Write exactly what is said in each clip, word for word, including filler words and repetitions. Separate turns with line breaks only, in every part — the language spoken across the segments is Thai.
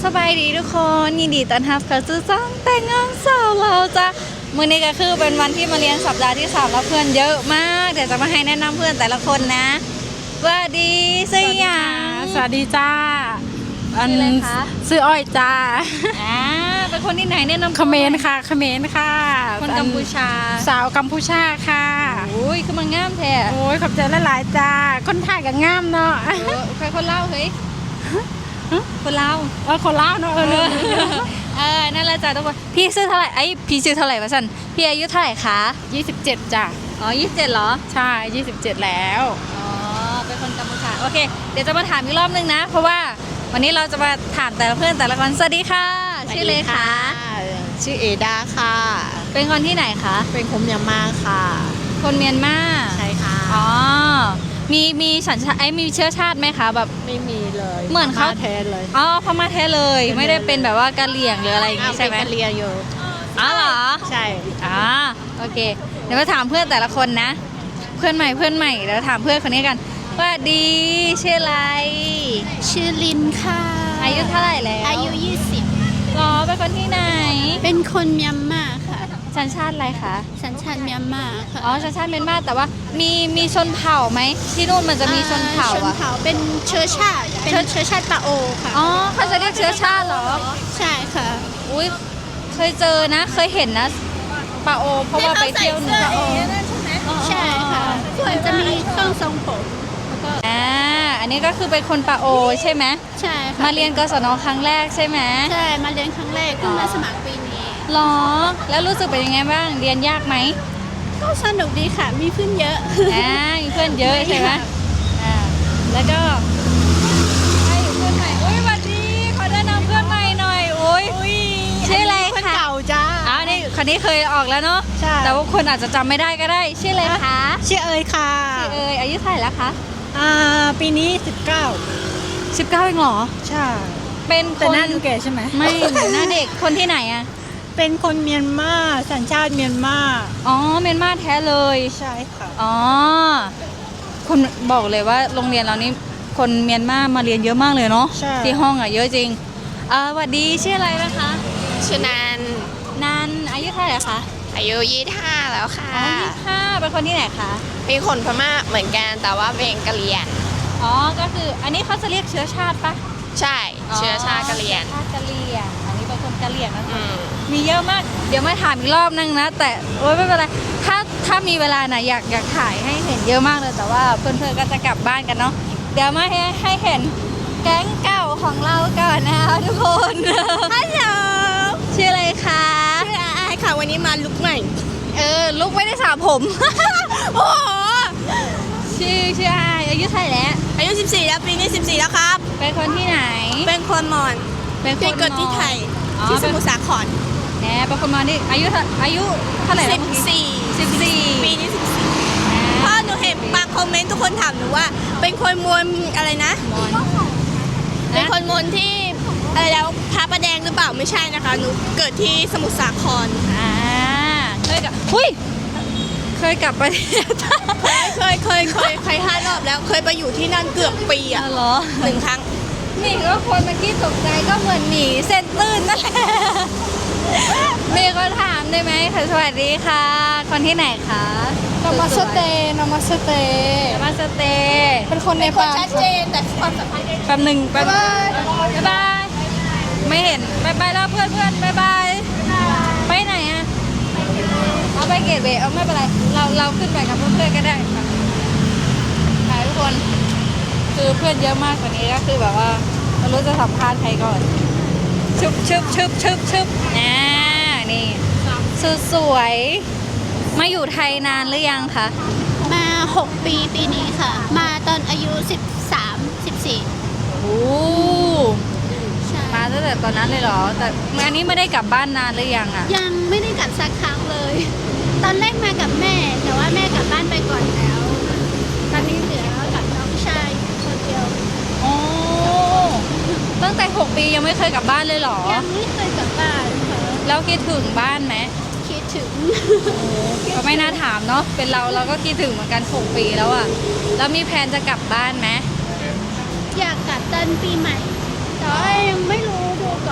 บายดีทุกคนยินดีต้อนรับเข้าสู่ช่องแต่งงานสาวเราจ้ะมื้อนี้ก็คือเป็นวันที่มาเรียนสัปดาห์ที่สามแล้วเพื่อนเยอะมากเดี๋ยวจะมาให้แนะนำเพื่อนแต่ละคนนะสวัสดีชื่อหยัง
สวัสดีจ้า
ชื่ออะไรคะ
ชื่ออ้อยจ้า
อ่าเป็นคนที่ไหนแนะนำ
เขมรค่ะเขมรค่ะ
คนกัมพูชา
สาวกัมพูชาค่ะ
อุ้ยคือมันงามแท้
โอ้ยขอบใจหลายๆจ้าคนไทยกับงามเนาะ
เออใครคนเล่าเฮ้ยคนเล่า
เออคนลาวเนาะเออ
เออนั่นแหละจ้ะทุกคนพี่ชื่อเท่าไหร่ไอ้พี่ชื่อเท่าไหร่วะสันพี่อายุเท่าไหร่คะ
ยี่สิบเจ็ดจ้ะ
อ๋อยี่สิบเจ็ดเหรอ
ใช่ยี่สิบเจ็ดแล้ว
อ๋อเป็นคนกัมพูชาโอเคเดี๋ยวจะมาถามอีกรอบนึงนะ เพราะว่าวันนี้เราจะมาถามแต่ละเพื่อนแต่ละคนสวัสดีค่ะชื่อเลยคะ
ชื่อเอดาค่ะ
เป็นคนที่ไหนคะ
เป็นคนเมียนมาค่ะ
คนเมียนมา
ใช่ค่ะ
อ๋อมีมีสัญชาติไอ้มีเชื้อชาติไหมคะแบบ
ไม่มีเลย
เหมือนเขา
แทนเลย
อ๋อพม่าแท้เลยไม่ได้เป็นแบบว่ากะเหรี่ยงหรืออะไรอย่างงี้ใช่ไหม
อ้าวเป็นกะเรียอยู่
อ๋อเหรอ
ใช่
อ๋อโอเค เดี๋ยวมาถามเพื่อนแต่ละคนนะ เพื่อนใหม่เพื่อนใหม่เดี๋ยวถามเพื่อนคนนี้กันสวัสดีชื่ออะไร
ชื่อลินค่ะ
อายุเท่าไหร่แล้ว
อายุยี่สิบ
หรอเป็นคนที่ไหน
เป็นคนเมียนมาค่ะ
สัญชาติอะไรคะ
สัญชาติเมียนมาค่ะ
อ๋อสัญชาติเมียนมาแต่ว่ามีมีชนเผ่าไหมที่นู่นมันจะมีชนเผ่า
ชน
อะ
เผ่าเป็นเชื้อชาติ เป็นเชื้อชาติปาโอค่ะ
อ๋อเขาจะเรียกเชื้อชาติเหรอ
ใช่ค่ะ
อุ้ยเคยเจอนะเคยเห็นนะปาโอเพราะว่าไปเที่ยวหนูปาโอ
ใช่ค่ะมันจะมีเครื่องทรงผมแล้วก็
อ่าอันนี้ก็คือเป็นคนปาโอใช่ไหม
ใช่ค่ะ
มาเรียนกศนครั้งแรกใช่ไหม
ใช่ มาเรียนครั้งแรกเพิ่งมาสมัครปีนี้
หรอแล้วรู้สึกเป็นยังไงบ้างเรียนยากไหม
ก็สนุกดีค่ะ มีเพื่อนเยอะ
อ่ามีเพื่อนเยอะใช่ไหมอ่าแล้วก็ให้เพื่อนใหม่อุ้ยสวัสดีขอแนะนำเพื่อนใหม่หน่อยอุ้ยชื่ออะไร
คน
คะ
เก่าจ้า
อ้าวนี่คนนี้เคยออกแล้วเนาะ
ใช่
แต่ว่าคนอาจจะจำไม่ได้ก็ได้ชื่ออะไรคะ
ชื่อเอยค่ะ
ชื่อเอยอายุเท่าไหร่แล้วคะ
อ่าปีนี้สิบเก้า
สิบเก้าเองเหรอ
ใช่
เป็นค
แต่
น
หน้าดูแก่ใช่ไหม
ไม่หน้าเด็กคนที่ไหนอะ
เป็นคนเมียนมาสัญชาติเมียนมา
อ๋อเมียนมาแท้เลย
ใช่ค่ะ
อ๋อคนบอกเลยว่าโรงเรียนเรานี่คนเมียนมามาเรียนเยอะมากเลยเนาะ
ใช่
ที่ห้องอ่ะเยอะจริงเอ่อสวัสดีชื่ออะไรนะคะ
ชื่อนัน
นันอายุเท่าไหร่คะ
อายุยี่สิบห้าแล้วค่ะ
อ๋อยี่สิบห้าเป็นคนที่ไหนคะ
เป็นคนพม่าเหมือนกันแต่ว่าเป็นกะเหรี่ยง
อ๋อก็คืออันนี้เขาจะเรียกเชื้อชาติปะ
ใช่เชื้อชาติกะเหรี่ยง
ชาติกะเหรี่ยงอันนี้เป็นคนกะเหรี่ยงนะ
อืม
มีเยอะมากเดี๋ยวมาถามอีกรอบนึงนะ แต่โอ๊ยไม่เป็นไรถ้าถ้ามีเวลานะอยากอยากถ่ายให้เห็นเยอะมากเลยแต่ว่าเพื่อนๆก็จะกลับบ้านกันเนาะเดี๋ยวมาให้ให้เห็นแก๊งเก่าของเราก่อนนะคะทุกคนฮัลโหลชื่ออะไรคะ
ชื่ออายค่ะวันนี้มาลุกใหม่
เออลูกไม่ได้สระผม โอ้โหชื่อชื่ออายอายุเท่าไหร่แล้ว
อายุสิบสี่แล้วปีนี้สิบสี่แล้วครับ
เป็นคนที่ไหน
เป็นคนมอญ
เป็นคน
ที่เกิดที่ไทย
อ๋อ
ที่สมุทรสาคร
แหมเป็นคนมอญนี่อายุเท่าอายุเท่าไหร่แล้ว
สิบ
เมื่อกี้
สี่
สิบสี่
ปีนี้สิบสี่เพราะหนูเห็นบางคอมเมนต์ทุกคนถามหนูว่า เป็นคนมวลอะไรนะ
มอญ
เป็นคนมวลที่อะไรแล้วพระประแดงหรือเปล่าไม่ใช่นะคะ หนูเกิดที่สมุทรสาคร
อ่าเคยกับหุ้ยเคยกลับประเทศ
เคยเคยเคยเคยห้ารอบแล้วเคยไปอยู่ที่นั่นเกือบปี
อ๋
อ่ะ
อเหรอ
หนึ่งครั้ง
นี่ก็คนเมื่อกี้ตกใจก็เหมือนหมีเส้นตื้นนั่นแหละมีคนถามได้ไหมค่ะสวัสดีค่ะ คนที่ไหนคะ
นามาสเตนามาสเต
นามาสเตย์
เป็นคนใน
คน
ปา
ชัดเจนแต่ความสัมพันธ์
แป๊บหนึ่งแป๊บบ๊ายบายไม่เห็นบายบายแล้วเพื่อนเพื่อนบายบายไปไหนอะเอาไปเกตเวย์เอาไม่เป็นไรเราเราขึ้นไปกับเพื่อนๆก็ได้ค่ะถ่ายทุกคนคือเพื่อนเยอะมากกว่านี้ก็คือแบบว่าไม่รู้จะสัมภาษณ์ใครก่อนชึบชึบชึบชึบชึบอ่านี่สุดสวยมาอยู่ไทยนานหรือยังคะ
มาหกปีปีนี้ค่ะ มาตอนอายุสิบสามสิบสี่
โอ้
ใช่
มาตั้งแต่ตอนนั้นเลยเหรอแต่อันนี้ไม่ได้กลับบ้านนานหรือยังอะ
ยังไม่ได้กลับสักครั้งเลย ตอนแรกมากับแม่ แต่ว่าแม่กลับบ้านไปก่อนแล้ว ตอนนี้เหลือกับน้องชายคนเดียว
โอ้ตั้งแต่หกปียังไม่เคยกลับบ้านเลยเหรอ
ยังไม่เคยกลับบ้านค่ะ
แล้วคิดถึงบ้านไหม
คิดถึง
ก็ไม่น่าถามเนาะเป็นเราเราก็คิดถึงเหมือนกันหกปีแล้วอะแล้วมีแผนจะกลับบ้านไหม
อยากกลับตอนปีใหม่ แต่ว่ายังไม่รู้ดู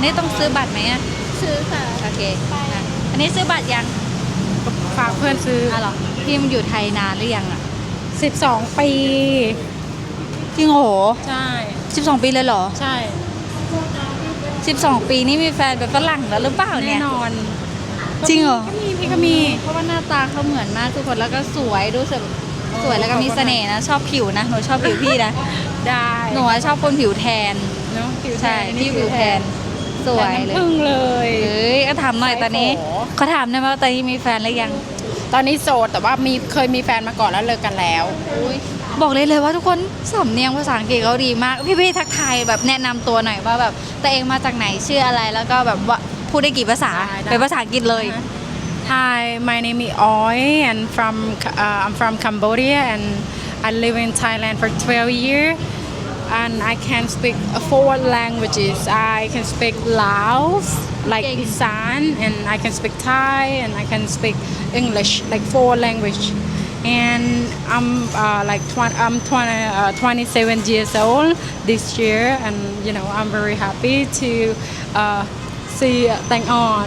นี้ต้องซื้อบัตรไหมอ่ะ
ซื้อค่ะ
โอเคอ่ะอันนี้ซื้อบัตรยัง
ฝากเพื่อนซื้อ
อ่ะเหรอพี่มันอยู่ไทยนานหรือยังอ่ะ
สิบสองปี
จริงโห
ใช่
สิบสองปีเลยเหรอ
ใช่
สิบสองปีนี่มีแฟนเป็นฝรั่งแล้วหรือเปล่า
แน่
เนี่ย
นอน
จริงเหรอ
ก็มีพี่ก็มี
เพราะว่าหน้าตาเขาเหมือนมากทุกคนแล้วก็สวยดูสึกสวยแล้วก็มีเสน่ห์นะชอบผิวนะหนูชอบผิวพี่นะ
ได้
หนูอะชอบคนผิวแทน
เนาะผิวแท
ใช่
น
พี่ผิวแทนสวย
แต่
เล
น้ำ
ย
ผึ้งเลย
เอ้ยก็ถามหน่อยตอนนี้
ใส่โถ
เขาถามได้ไหมว่าตอนนี้มีแฟนหรือยัง
ตอนนี้โสดแต่ว่ามีเคยมีแฟนมาก่อนแล้วเลิกกันแล้ว
บอกเลยเลยว่าทุกคนสำเนียงภาษาอังกฤษเขาดีมาก พี่ๆทักทายแบบแนะนำตัวหน่อยว่าแบบตัวเองมาจากไหนชื่ออะไรแล้วก็แบบว่าพูดได้กี่ภาษา
ได้ได้
เป็นภาษาอังกฤษเลย
Hi, my name is Oi and from uh, I'm from Cambodia and I live in Thailand for twelve years and I can speak four languages. I can speak Laos like Isan and I can speak Thai and I can speak English like four language. And I'm uh, like twenty, I'm twenty, uh, twenty-seven years old this year and you know I'm very happy to uh, see Tang On.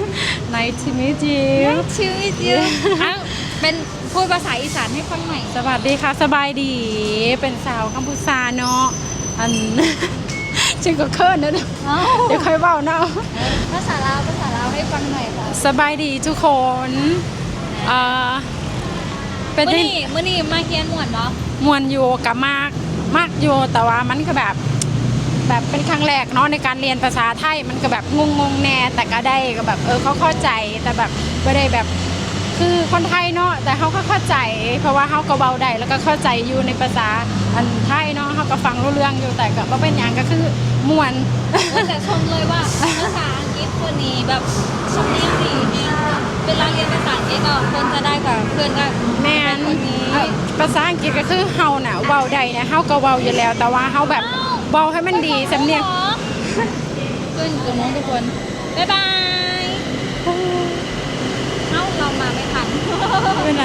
Nice to meet you.
ชื่อวิจิวอ้าวเป็นพูดภาษาอีสานให้ฟังหน่อย
สวัสดีค่ะสบายดี เป็นสาวกัมพูชาเนาะอัน ชื่อก็เคิร์นนะเดี๋ยว
อ้าว
เดี๋ยวค่อยเบาเนาะ
ภาษาลาวภาษาลาวให้ฟังหน่อยค่ะ
สบายดีทุกคนเอ่อเป็น
มื่อ
ที่
นี้มื่อนี้มาเฮียนหมวนเนาะ
มวนอยู่กับมากมากอยู่แต่ว่ามันก็แบบแบบเป็นครั้งแรกเนาะในการเรียนภาษาไทยมันก็แบบงงงๆแน่แต่ก็ได้ก็แบบเออเขาเข้าใจแต่แบบไม่ได้แบบคือคนไทยเนาะแต่เขาก็เข้าใจ เพราะว่าเขาก็เบาได้แล้วก็เข้าใจอยู่ในภาษาอันไทยเนาะเขาก็ฟังรู้เรื่องอยู่แต่ก็บ่เป็นอย่างก็คือมวน
แต่ชมเลยว่าภาษาอังกฤษคนนี้แบบสำเนียงดีเนี่ยเวลาเรียนภาษาอังกฤษก็คนจะได้กับเพื่อนก็
แม่น
คนนี้
เอ่อภาษาอังกฤษก็คือเฮาน่ะเว้าได้เนี่ยเฮาก็เว้าอยู่แล้ว แต่ว่าเฮาแบบเว้าให้มันดีสำเนียง
เพื่อนอยู่ตรงนู้นทุกคนบ๊ายบายเอ้าเรามาไม่ทัน
เป็นไร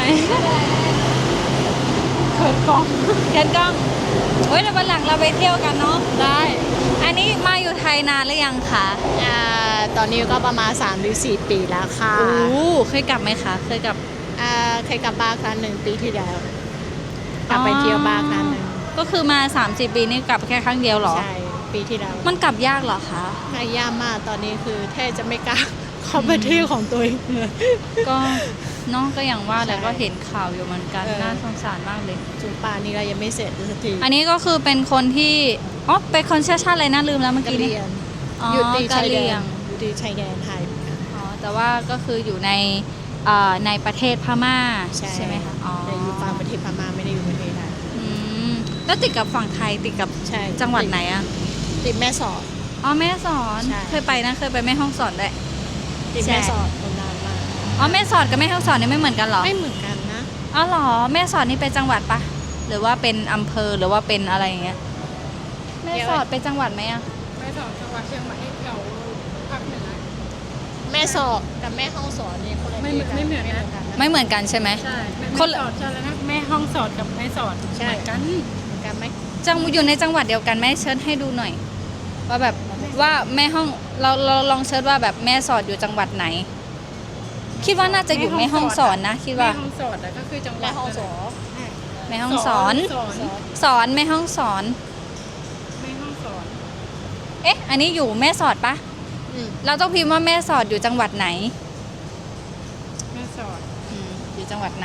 เขินกล้อง
เชิญกล้องเฮ้ยเดี๋ยววันหลังเราไปเที่ยวกันเนาะ
ได้
อันนี้มาอยู่ไทยนานหรือยังคะ
อ่าตอนนี้ก็ประมาณสามหรือสี่ปีแล้วค่ะ
โอ้เคยกลับไหมคะ เคยกลับ
อ่าเคยกลับบ้านครั้งหนึ่งปีที่แล้วกลับไปเที่ยวบ้านครั้งหนึ่ง
ก็คือมาสามสิบปีนี่กลับแค่ครั้งเดียวเหรอ
ใช่ปีที่แล้ว
มันกลับยากเหรอคะ
พยายามมากตอนนี้คือแทบจะไม่กล้า เข้าประเทศของตัวเองเลย
ก็เน้องก็อย่างว่าแหละ
ใช่
ก็เห็นข่าวอยู่เหมือนกัน
เออ
น่าสงสารมากเลย
จุงป่านนี้เรายังไม่เสร็จสักที
อันนี้ก็คือเป็นคนที่อ๋อเป็นคนเชื้อชาติอะไรนะลืมแล้วเมื่อก
ะ
กี้
เห
นี้
รียน
อ๋อ
อยู่ตี
กะ
ชาย
เห
แด
รี่ย
น
ง
อยู่ตีชายแดนไทย
อ๋อแต่ว่าก็คืออยู่ในเอ่อในประเทศพม่า
ใช่
ไหมคะอ๋อ
แต่อยู่ฝั่งประเทศพม่าไม่ได้อยู่ประเทศไทย
อืมแล้วติดกับฝั่งไทยติดกับ
ใช่
จังหวัดไหนอะ
ติดแม่สอด
อ๋อแม่สอน
ใช่
เคยไปนะเคยไปแม่ห้องสอนด้วย
ติด
ใช่
แม่สอดนานมาก
อ๋อแม่สอดกับแม่ห้องสอนนี่ไม่เหมือนกันเหรอ
ไม่เหมือนกันนะ
อ๋อเหรอแม่สอดนี่เป็นจังหวัดปะหรือว่าเป็นอำเภอหรือว่าเป็นอะไรอย่างเงี้ยแม่สอดเป็นจังหวัดไหมอะ
ไปสองจังหวัดเชียงใหม่แถวภาคเหนือ
แม่สอดกับแม่ห้องสอนเนี่ยคนละ
ไม่
ที่กั
ไม่เหมือนนะ
กันะ
ไม่เหมือนกันใช่ไหม
ใช่
ค
คน น
ละ
สอดใช่แล้วนะแม่ห้องสอดกับแม่สอด
ใช่
เหมือนกัน
เหมือนกันไหม
จังอยู่ในจังหวัดเดียวกันแม่เชิญให้ดูหน่อย ว่าแบบว่าแม่ห้องเราเราลองเชิญว่าแบบแม่สอดอยู่จังหวัดไหน คิดว่าน่าจะอยู่แม่ห้องสอนนะคิดว่า
แม่ห้องสอดอะก็คือจังหวั
แม่
ด
ห้องสอน
แม่ห้องสอน
สอน
สอนแม่ห้องสอน
แม่ห้องสอน
เอ๊ะ อันนี้อยู่แม่สอดปะ
อืม
เราต้องพิมพ์ว่าแม่สอดอยู่จังหวัดไหน
แม่สอด
อืมอยู่จังหวัดไหน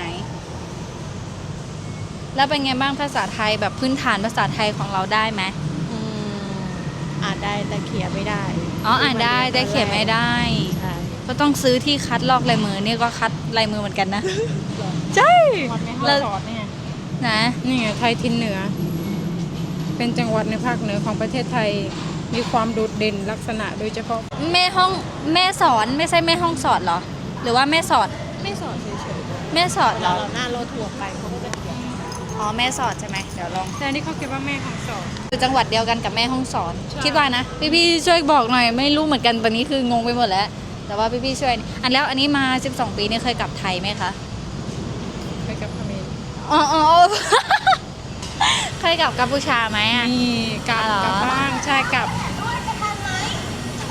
แล้วเป็นไงบ้างภาษาไทยแบบพื้นฐานภาษาไทยของเราได้ไหม
อืมอ่านได้แต่เขียนไม่ได้
อ๋ออ่านได้แต่เขียนไม่ได้
ใช่
ก็ต้องซื้อที่คัดลอกลายมือนี่ก็คัดลายมือเหมือนกันนะ ใช่
วัดแม่ห้องสอดเนี่ย
นะ
นี่ไงไทยทินเหนือ เป็นจังหวัดในภาคเหนือของประเทศไทย มีความโดดเด่นลักษณะโดยเฉพาะ
แม่ห้องแม่สอนไม่ใช่แม่ห้องสอดเหรอ หรือว่าแม่สอด
ไม่สอนเฉย
แม่สอด
ๆ
เหร
เรา
อ
เราหน้ารถทัวร์ไปเขาก็จะเขียน
อ๋อแม่สอดใช่ไหมเดี๋ยวลอง
แต่อันนี่เขาคิดว่าแม่ห้องสอด
อยู่จังหวัดเดียวกันกับแม่ห้องสอน
ใช่
คิดว่านะพี่พี่ๆช่วยบอกหน่อยไม่รู้เหมือนกันตอนนี้คืองงไปหมดแล้ว แต่ว่าพี่พี่ๆช่วยอันแล้วอันนี้มาสิบสองปีนี่เคยกลับไทยไหมคะ
ไปกับพเมร
อ๋ออ๋อ เคยกลับกัมพูชาไหมอ่ะ
มีกลับ
อ๋อเหรอ
กลับบ้างใช่กลับ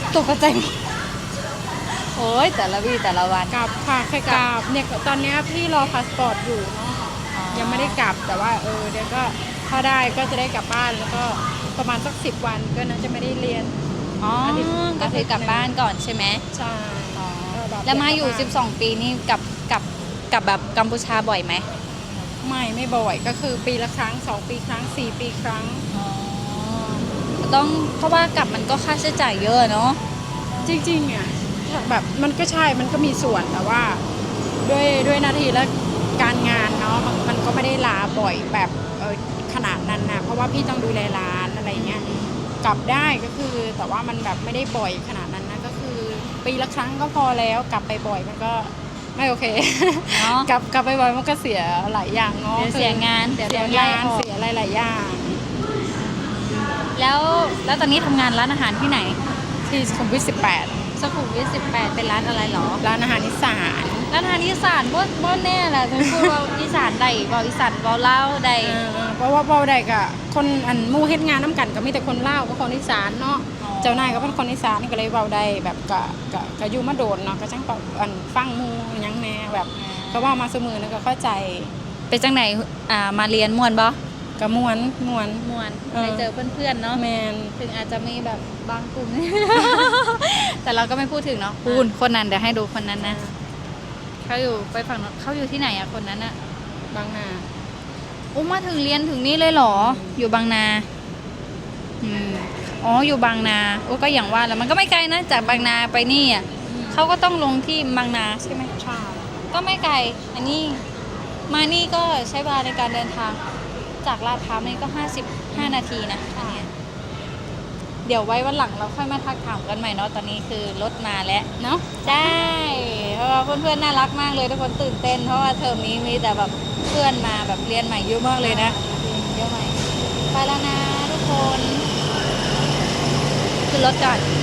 ตกใจหมดโอ้ยแต่ละวีแต่ละวัน
กลับค่ะแค่กลับเนี่ยตอนเนี้ยพี่รอพาสปอร์ตอยู่เนาะยังไม่ได้กลับแต่ว่าเออเดี๋ยวก็ถ้าได้ก็จะได้กลับบ้านแล้วก็ประมาณสักสิบวันก็น่าจะไม่ได้เรียน
อ๋อก็คือกลับบ้านก่อนใช่ไหม
ใช่ก็บบ
แล้วมาอยู่
กลับบ้น
สิบสอง ปีนี่กลับกลับกลับแบบกัมพูชาบ่อยไหม
ไม่ไม่บ่อยก็คือปีละครั้งสองปีครั้งสี่ปีครั้ง
อ๋อต้องเพราะว่ากลับมันก็ค่าใช้จ่ายเยอะเนาะ
จริงๆอ่ะแบบมันก็ใช่มันก็มีส่วนแต่ว่าด้วยด้วยหนาทีและการงานเนาะมันมันก็ไม่ได้ลาบ่อยแบบเออขนาดนั้นนะเพราะว่าพี่ต้องดูแลร้านอะไรเงี้ยกลับได้ก็คือแต่ว่ามันแบบไม่ได้บ่อยขนาดนั้นนะก็คือปีละครั้งก็พอแล้วกลับไปบ่อยมันก็ไม่โอเค
เนาะ
กลับกลับไปบ่อยมันก็เสียหลายอย่างเนาะ
เดี๋ยวเสียงานเดี๋
เสี
ย
ยว
โดนไล่
งาน
ออก
เสียอะไรหลายอย่าง
แล้วแล้วตอนนี้ทำงานร้านอาหารที่ไหน
ที่สุขุมวิทสิบแปด
สุขุมวิทสิบแปดเป็นร้านอะไรหรอ
ร้านอาหารอีสาน
ร้านอาหารอีสานบ่บ่แน่แหละถึงพูดว่าอีสานใดบ่อีสานบ่เล่าวใด
เออเพราะว่าเบาได้ก็คนอันหมู่เฮ็ดงานน้ำกันก็มีแต่คนเล่าวก็คนอีสานเนาะ
อ๋อ
เจ้านายก็เป็นคนอีสานก็เลยเบาได้แบบก็ก็ก็อยู่มาโดนเนาะก็จังเปาอันฟังหมู่หยังแน่แบบก็เว่ามาเสมอแล้วก็เข้าใจ
เป็นจังไหนอ่ามาเรียนม่วนบ่
ก็ม่วนม่วน
ม่วน
เออ
ได้เจอเพื่อนๆเนาะ
แมน
ถึงอาจจะมีแบบบางกลุ่ม แต่เราก็ไม่พูดถึงเนาะพูดคนนั้นเดี๋ยวให้ดูคนนั้นนะเขาอยู่ไปฝั่งโน้นเขาอยู่ที่ไหนอะคนนั้นอะ
บางนา
อุ้มมาถึงเรียนถึงนี่เลยเหรอ อยู่บางนาอืมอ๋ออยู่บางนาโอ้ก็อย่างว่าแล้วมันก็ไม่ไกลนะจากบางนาไปนี่อะเขาก็ต้องลงที่บางนาใช่ไหม
ใช่
ก็ไม่ไกลอันนี้มานี่ก็ใช้เวลาในการเดินทางจากลาดพร้าวนี่ก็ห้าสิบห้านาทีนะอันเนี้ยเดี๋ยวไว้วันหลังเราค่อยมาทักถามกันใหม่เนาะตอนนี้คือรถมาแล้วเนาะได้เพราะว่าเพื่อนๆน่ารักมากเลยทุกคนตื่นเต้นเพราะว่าเทอมนี้มีแต่แบบเพื่อนมาแบบเรียนใหม่เยอะมากเลยนะเยอะใหม่ไปแล้วนะทุกคนขึ้นรถก่อน